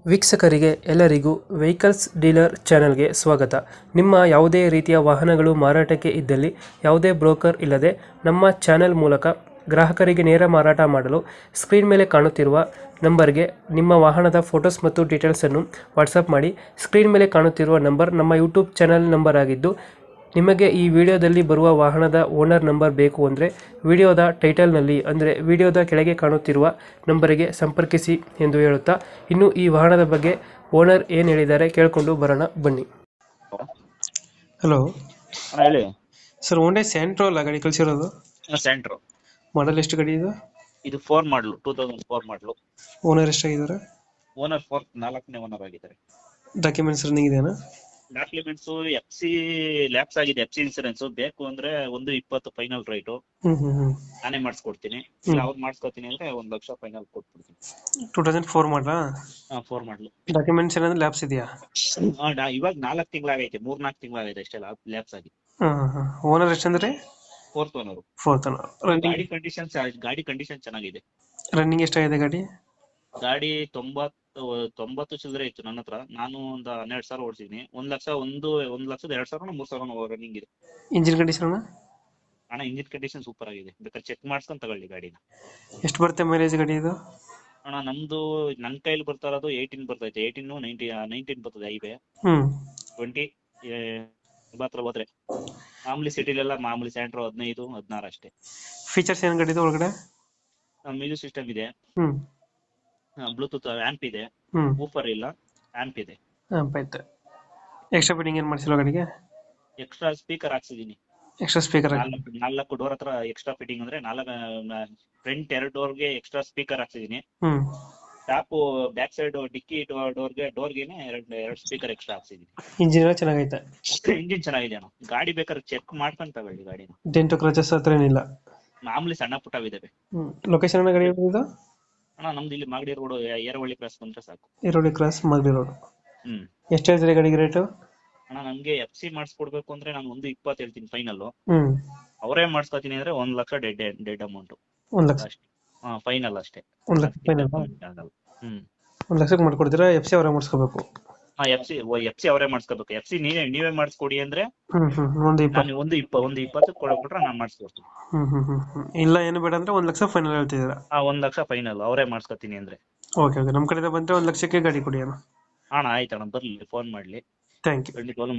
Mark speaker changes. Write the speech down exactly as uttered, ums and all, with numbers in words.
Speaker 1: ವೀಕ್ಷಕರಿಗೆ ಎಲ್ಲರಿಗೂ vehicles dealer ಚಾನೆಲ್ಗೆ ಸ್ವಾಗತ. ನಿಮ್ಮ ಯಾವುದೇ ರೀತಿಯ ವಾಹನಗಳು ಮಾರಾಟಕ್ಕೆ ಇದ್ದಲ್ಲಿ ಯಾವುದೇ ಬ್ರೋಕರ್ ಇಲ್ಲದೆ ನಮ್ಮ ಚಾನೆಲ್ ಮೂಲಕ ಗ್ರಾಹಕರಿಗೆ ನೇರ ಮಾರಾಟ ಮಾಡಲು ಸ್ಕ್ರೀನ್ ಮೇಲೆ ಕಾಣುತ್ತಿರುವ ನಂಬರ್ಗೆ ನಿಮ್ಮ ವಾಹನದ ಫೋಟೋಸ್ ಮತ್ತು ಡೀಟೇಲ್ಸನ್ನು ವಾಟ್ಸಪ್ ಮಾಡಿ. ಸ್ಕ್ರೀನ್ ಮೇಲೆ ಕಾಣುತ್ತಿರುವ ನಂಬರ್ ನಮ್ಮ ಯೂಟ್ಯೂಬ್ ಚಾನೆಲ್ ನಂಬರ್ ಆಗಿದ್ದು, ನಿಮಗೆ ಈ ವಿಡಿಯೋದಲ್ಲಿ ಬರುವ ವಾಹನದ ಓನರ್ ನಂಬರ್ ಬೇಕು ಅಂದರೆ ವಿಡಿಯೋದ ಟೈಟಲ್ನಲ್ಲಿ ಅಂದರೆ ವಿಡಿಯೋದ ಕೆಳಗೆ ಕಾಣುತ್ತಿರುವ ನಂಬರಿಗೆ ಸಂಪರ್ಕಿಸಿ ಎಂದು ಹೇಳುತ್ತಾ, ಇನ್ನು ಈ ವಾಹನದ ಬಗ್ಗೆ ಓನರ್ ಏನು ಹೇಳಿದ್ದಾರೆ ಕೇಳಿಕೊಂಡು ಬರೋಣ ಬನ್ನಿ. ಹಲೋ
Speaker 2: ಹಾ, ಹೇಳಿ.
Speaker 1: ಸರ್, ಹೋಂಡಾ ಸ್ಯಾಂಟ್ರೋ ಅಲ್ಲ ಗಾಡಿ ಕಳಿಸಿರೋದು?
Speaker 2: ಸ್ಯಾಂಟ್ರೋ
Speaker 1: ಮಾಡಲ್ ಎಷ್ಟು ಗಾಡಿ ಇದು?
Speaker 2: ಇದು ಫೋರ್ ಮಾಡಲು ಟೂ ತೌಸಂಡ್ ಫೋರ್ ಮಾಡಲು.
Speaker 1: ಓನರ್ ಎಷ್ಟಾಗಿದ್ದಾರೆ?
Speaker 2: ಓನರ್ ಫೋರ್ ನಾಲ್ಕನೇ ಓನರ್ ಆಗಿದ್ದಾರೆ.
Speaker 1: ಡಾಕ್ಯುಮೆಂಟ್ಸ್ ರನ್ನಿಂಗ್ ಇದೆಯಾ?
Speaker 2: ಡಾಕ್ಯುಮೆಂಟ್ಸ್ ಎಫ್ ಸಿ ಲ್ಯಾಪ್ಸ್ ಆಗಿದೆ. ಎಫ್ ಸಿ ಇನ್ಸೂರೆನ್ಸ್ ಬೇಕು ಅಂದ್ರೆ ಒಂದು ಇಪ್ಪತ್ತು ಫೈನಲ್ ರೈಟು
Speaker 1: ಹ್ಮ್ ಹ್ಮ್ ಹ್ಮ್
Speaker 2: ನಾನೇ ಮಾಡಿಸ್ಕೊಡ್ತೀನಿ. ಇಲ್ಲ ಅವ್ರು ಮಾಡಿಸ್ಕೊತೀನಿ ಅಂದ್ರೆ ಒಂದ್ ಲಕ್ಷ ಫೈನಲ್ ಕೊಟ್ಬಿಡ್ತೀನಿ.
Speaker 1: ಟೂ ತೌಸಂಡ್ ಫೋರ್ ಮಾಡಲಾ?
Speaker 2: ಹಾ, ಫೋರ್ ಮಾಡಲು.
Speaker 1: ಡಾಕ್ಯುಮೆಂಟ್ಸ್ ಏನಾದ್ರು ಲ್ಯಾಪ್ಸ್ ಇದೆಯಾ?
Speaker 2: ಇವಾಗ ನಾಲ್ಕು ತಿಂಗಳಾಗೈತೆ, ಮೂರ್ ನಾಲ್ಕು ತಿಂಗಳಾಗೈತೆ ಅಷ್ಟೇ ಲ್ಯಾಪ್ಸ್ ಆಗಿ.
Speaker 1: ಹಾಂ ಹಾಂ ಓನರ್ ಎಷ್ಟಂದ್ರೆ?
Speaker 2: Fourth owner.
Speaker 1: Fourth owner.
Speaker 2: ಗಾಡಿ ಕಂಡೀಷನ್ ಗಾಡಿ ಕಂಡೀಷನ್ ಚೆನ್ನಾಗಿದೆ.
Speaker 1: ರನ್ನಿಂಗ್ ಎಷ್ಟಾಗಿದೆ ಗಾಡಿ?
Speaker 2: ಗಾಡಿ ತೊಂಬತ್ತು ತೊಂಬತ್ತು ಚಿಲ್ಲರೆ ಇತ್ತು ನನ್ನ ಹತ್ರ. ನಾನು ಒಂದು ಹನ್ನೆರಡು ಸಾವಿರ ಓಡಿಸಿದೀನಿ. ಒಂದ್ ಲಕ್ಷ ಒಂದು ಒಂದ್ ಲಕ್ಷದ ಎರಡ್ ಸಾವಿರ ಮೂರ್ ಸಾವಿರ ರನ್ನಿಂಗ್ ಇದೆ.
Speaker 1: ಇಂಜಿನ್ ಕಂಡೀಷನ್
Speaker 2: ಅಣ್ಣ, ಇಂಜಿನ್ ಕಂಡೀಷನ್ ಸೂಪರ್ ಆಗಿದೆ. ಬೇಕಾದ್ರೆ ಚೆಕ್ ಮಾಡ್ಸ್ಕೊಂಡ್ ತಗೊಳ್ಳಿ ಗಾಡಿನ.
Speaker 1: ಎಷ್ಟು ಬರುತ್ತೆ ಮೈಲೇಜ್ ಗಾಡಿ ಇದು?
Speaker 2: ಅಣ್ಣ, ನಮ್ದು ನನ್ ಕೈಲಿ ಬರ್ತಾ ಇರೋದು ಏಯ್ಟೀನ್ ಬರ್ತೈತೆ. ಏಯ್ಟೀನ್ ನೈನ್ಟಿ ನೈನ್ಟೀನ್ ಬರ್ತದೆ ಹೈವೇ.
Speaker 1: ಹ್ಮ್
Speaker 2: ಟ್ವೆಂಟಿ ಹತ್ರ ಹೋದ್ರೆ ಮಾಮೂಲಿ ಸಿಟಿಲೆಲ್ಲ ಮಾಮೂಲಿ ಸ್ಯಾಂಟ್ರೋ ಹದಿನೈದು ಹದಿನಾರು ಅಷ್ಟೇ.
Speaker 1: ಫೀಚರ್ಸ್ ಏನ್ ಗಾಡಿ ಇದೆ ಒಳಗಡೆ?
Speaker 2: ಮ್ಯೂಸಿಕ್ ಸಿಸ್ಟಮ್ ಇದೆ,
Speaker 1: ಹ್ಮ್
Speaker 2: ಬ್ಲೂಟೂತ್ ಆಂಪ್ ಇದೆ,
Speaker 1: ಹ್ಮ್
Speaker 2: ಊಫರ್ ಇಲ್ಲ, ಆಂಪ್ ಇದೆ.
Speaker 1: ಆಯ್ತು. ಎಕ್ಸ್ಟ್ರಾ ಫಿಟ್ಟಿಂಗ್ ಏನ್ ಮಾಡಿಸಿಲ್ಲ ಗಾಡಿಗೆ?
Speaker 2: ಎಕ್ಸ್ಟ್ರಾ ಸ್ಪೀಕರ್ ಹಾಕ್ಸಿದೀನಿ.
Speaker 1: Extra speaker?
Speaker 2: ನಾಲ್ಕು ನಾಲ್ಕು ಡೋರ್ ಹತ್ರ ಎಕ್ಸ್ಟ್ರಾ ಫಿಟ್ಟಿಂಗ್ ಅಂದ್ರೆ ನಾಲ್ಕು ಫ್ರಂಟ್ ಎರಡು ಡೋರ್ಗೆ ಎಕ್ಸ್ಟ್ರಾ ಸ್ಪೀಕರ್ ಹಾಕ್ಸಿದೀನಿ.
Speaker 1: ಹ್ಮ್
Speaker 2: ಟಾಪ್ ಬ್ಯಾಕ್ ಸೈಡ್ ಡಿಕ್ಕಿ ಡೋರ್ಗೆ ಡೋರ್ಗೆನೆ ಎರಡು ಎರಡು ಸ್ಪೀಕರ್ ಎಕ್ಸ್ಟ್ರಾ ಹಾಕ್ಸಿದೀನಿ.
Speaker 1: ಇಂಜಿನ್ ಎಲ್ಲ ಚೆನ್ನಾಗೈತೆ?
Speaker 2: ಇಂಜಿನ್ ಚೆನ್ನಾಗಿದೆ ಅಣ್ಣ. ಗಾಡಿ ಬೇಕಾದ್ರೆ ಚೆಕ್ ಮಾಡ್ಕೊಂಡ್ ತಗೊಳ್ಳಿ ಗಾಡಿನ.
Speaker 1: ಡೆಂಟು ಕ್ರಚಸ್ ಹತ್ರ ಏನಿಲ್ಲ?
Speaker 2: ಮಾಮೂಲಿ ಸಣ್ಣ ಪುಟ್ಟವಿದಾವೆ.
Speaker 1: ಹ್ಮ್ ಲೊಕೇಶನ್ ಅನ್ನ ಗಾಡಿ ಇದು?
Speaker 2: ಅಣ್ಣ, ನಮ್ದು ಇಲ್ಲಿ ಮಾಗಡಿ ರೋಡ್ ಏರವಳ್ಳಿ ಕ್ರಾಸ್ ಬಂದ್ರೆ ಸಾಕು.
Speaker 1: ಈರೋಡಿ ಕ್ರಾಸ್ ಮಾಗಡಿ ರೋಡ್.
Speaker 2: ಹ್ಮ್
Speaker 1: ಎಷ್ಟು ಹೇಳ್ತೀರಿ ಗಾಡಿಗೆ ರೇಟು?
Speaker 2: ಅಣ್ಣ, ನಮ್ಗೆ ಎಫ್ ಸಿ ಮಾಡಿಸ್ಕೊಡ್ಬೇಕು ಅಂದ್ರೆ ನಾನು ಒಂದು ಇಪ್ಪತ್ತು ಹೇಳ್ತೀನಿ ಫೈನಲ್.
Speaker 1: ಹ್ಮ್
Speaker 2: ಅವರೇ ಮಾಡಿಸ್ಕೊತೀನಿ ಅಂದ್ರೆ ಒಂದ್ ಲಕ್ಷ ಡೆಡ್ ಡೆಡ್ ಅಮೌಂಟ್
Speaker 1: ಒಂದ್ ಲಕ್ಷ
Speaker 2: ಅಷ್ಟೇ. ಹಾ, ಫೈನಲ್ ಅಷ್ಟೇ.
Speaker 1: ಒಂದ್ ಲಕ್ಷ ಫೈನಲ್?
Speaker 2: ಹ್ಮ್
Speaker 1: ಒಂದ್ ಲಕ್ಷಕ್ಕೆ ಮಾಡ್ಕೊಡ್ತೀರಾ? ಎಫ್ ಸಿ ಅವರೇ ಮಾಡಿಸ್ಕೋಬೇಕು?
Speaker 2: ಹಾ, ಎಫ್ ಸಿ ಎಫ್ ಸಿ ಅವರೇ ಮಾಡಿಸ್ಕೋಬೇಕು. ಎಫ್ ಸಿ ನೀವೇ ನೀವೇ ಮಾಡಿಸ್ಕೊಡಿ ಅಂದ್ರೆ
Speaker 1: ಹ್ಮ್ ಹ್ಮ್ ಒಂದು ಇಪ್ಪತ್ತು
Speaker 2: ನಾನು ಒಂದು ಇಪ್ಪ ಒಂದು ಇಪ್ಪತ್ತು ಕೊಡ್ಬಿಟ್ರೆ ನಾನು ಮಾಡಿಸ್ಕೊಡ್ತೀನಿ.
Speaker 1: ಹ್ಮ್ ಹ್ಮ್ ಹ್ಮ್ ಹ್ಮ್ ಇಲ್ಲ ಏನು ಬೇಡ ಅಂದ್ರೆ ಒಂದ್ ಲಕ್ಷ ಫೈನಲ್ ಹೇಳ್ತಿದ್ದೀರಾ?
Speaker 2: ಹಾ, ಒಂದ್ ಲಕ್ಷ ಫೈನಲ್ ಅವರೇ ಮಾಡಿಸ್ಕೊತೀನಿ ಅಂದ್ರೆ.
Speaker 1: ಓಕೆ ಓಕೆ, ನಮ್ ಕಡೆಯಿಂದ ಬಂದ್ರೆ ಒಂದ್ ಲಕ್ಷಕ್ಕೆ ಗಾಡಿ ಕೊಡಿ ಅಣ್ಣ.
Speaker 2: ಅಣ್ಣ, ಆಯ್ತಣ್ಣ, ಬರ್ಲಿ, ಫೋನ್ ಮಾಡ್ಲಿ.
Speaker 1: Thank you.
Speaker 2: ಖಂಡಿತವಾಗ್ಲೂ